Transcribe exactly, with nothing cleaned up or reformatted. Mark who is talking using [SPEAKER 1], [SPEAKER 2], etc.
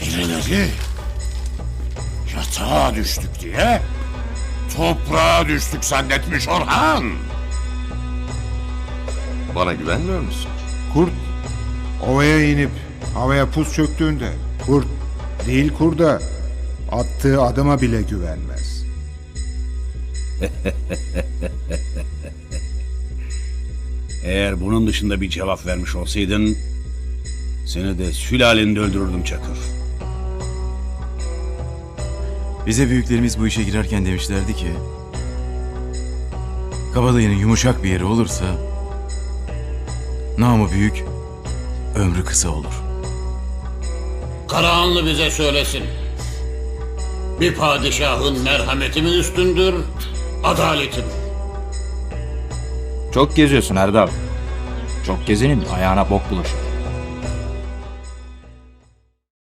[SPEAKER 1] Birileri yatağa düştük diye toprağa düştük zannetmiş Orhan.
[SPEAKER 2] Bana güvenmiyor musun?
[SPEAKER 3] Kurt ovaya inip havaya pus çöktüğünde kurt değil kurda attığı adıma bile güvenmez.
[SPEAKER 4] Eğer bunun dışında bir cevap vermiş olsaydın seni de sülaleni öldürürdüm Çakır.
[SPEAKER 5] Bize büyüklerimiz bu işe girerken demişlerdi ki kabadayının yumuşak bir yeri olursa namı büyük, ömrü kısa olur.
[SPEAKER 1] Karahanlı bize söylesin. Bir padişahın merhameti mi üstündür, adaleti mi?
[SPEAKER 6] Çok geziyorsun Erdal. Çok gezenin ayağına bok bulaşır.